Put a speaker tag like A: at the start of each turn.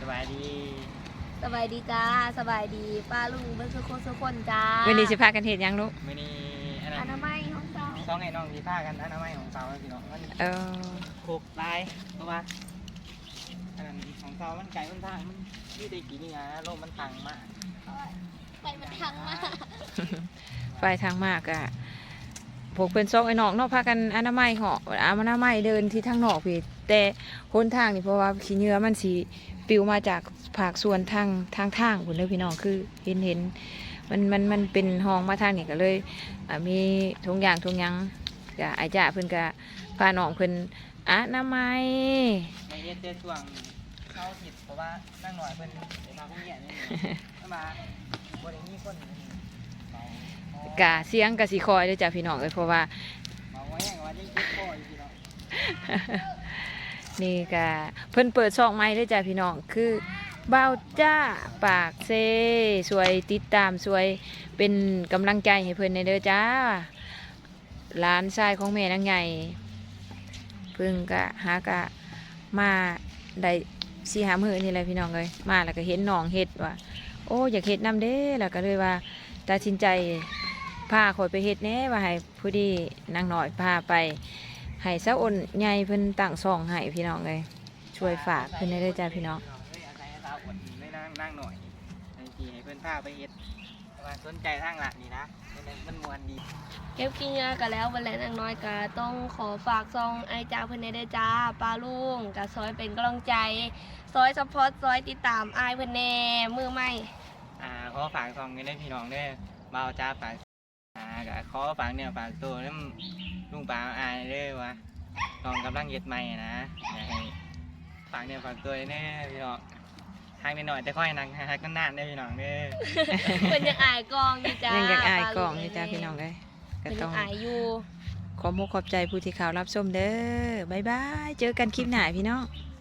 A: บายดี
B: สบายดีจ้าสบายดีป้าลุงเบิ้งสุกคนจ้า
C: วันนี้สิพากันเฮ็ดหยังลูก
A: มื้อนี้
B: อนามัยห้องเจ้า
A: สองไอ้น้องที่พากันอนามัยของเสาพี่น้องมันโคกลายเพราะว่าอันนั้นของเสามันไก่มันทางมันที่ได้กี่นี่นะลมมันทางมาก
B: ไปมันทางมาก
C: ไปทางมากอะพวกเพิ่นซอกไอ้นอกเนาะพากันอนามัยเหาะอนามัยเดินที่ทางนอกพี่แต่หนทางนี่เพราะว่าขี้เหงื่อมันสิปลิวมาจากภาคส่วนทางพุ่นเด้อพี่น้องคือเห็นมันเป็นห้องมาทางนี่ก็เลยมีทุงยางก็อาจารย์เพิ่นก็พาน้องเพิ่นอนามัย
A: ในเย็นเจอช่วงเข้าผิดเพราะว่านั่งหน่อยเพิ่นไปมาพุ่งเหยียดนี่มาบ่ได้มีคน
C: กะเสียงกะสิคอยเด้อจ้ะพี่น้องเอ้ยเพราะว่า
A: มาไว้อย่างว่าจะเก็บพ่ออยู่พี่น้อง
C: นี่ก็เพิ่นเปิดช่องใหม่ด้วยจ้ะพี่น้องคือบ่าวจ้าปากเซสวยติดตามสวยเป็นกำลังใจให้เพิ่นในเด้อจ้าหลานชายของแม่นางใหญ่เพิ่งกะหากะมาได้4-5 มื้อนี่แหละพี่น้องเอ้ยมาแล้วก็เห็นน้องเฮ็ดว่าโอ้อยากเฮ็ดนำเด้แล้วก็เลยว่าตัดสินใจพาข่อยไปเฮ็ดแหน่ว่าให้ผู้ดีนางน้อยพาไปให้ซะอ่อนใหญ่เพิ่นตั้งซ่องให้พี่น้องเลยช่วยฝากเพิ่นได้ด้วยจ้าพี่น้อง
A: อาศัยสาวอดได้นั่งหน่อยในทีให้เพื่อนพาไปเฮ็ดว่าสนใจทางหลักนี่นะมันมวนดี
B: เก็บกินยากันแล้ววันแรกนางน้อยก็ต้องขอฝากซองไอจ้าเพื่อนได้จ้าป้าลุงกับซอยเป็นกำลังใจซอยซัพพอร์ตซอยติดตามไอเพื่อนแน่มือใหม่
A: ขอฝากซองกันได้พี่น้องด้วยบ่าวจ้าฝากก็ขอฝากเนี่ยฝากตัวน้ำลุงป่าอายด้วยวะน้องกำลังเย็ดใหม่นะอยากให้ฝากเนี่ยฝากตัวแน่พี่น้องทางนิดหน่อยแต่ค่อยนังฮักนานได้พี่น้องเด้อ
B: เพื่อนยังอายกองอยู่จ้า
C: ยังอยากอายกล่องอยู่จ้าพี่น้องเลยก็
B: เพื่อน
C: ต้
B: ยั
C: อง
B: งอายอยู่
C: ขอขอบใจผู้ที่ข่าวรับชมเด้อบ๊ายบายเจอกันคลิปหน้าพี่น้อง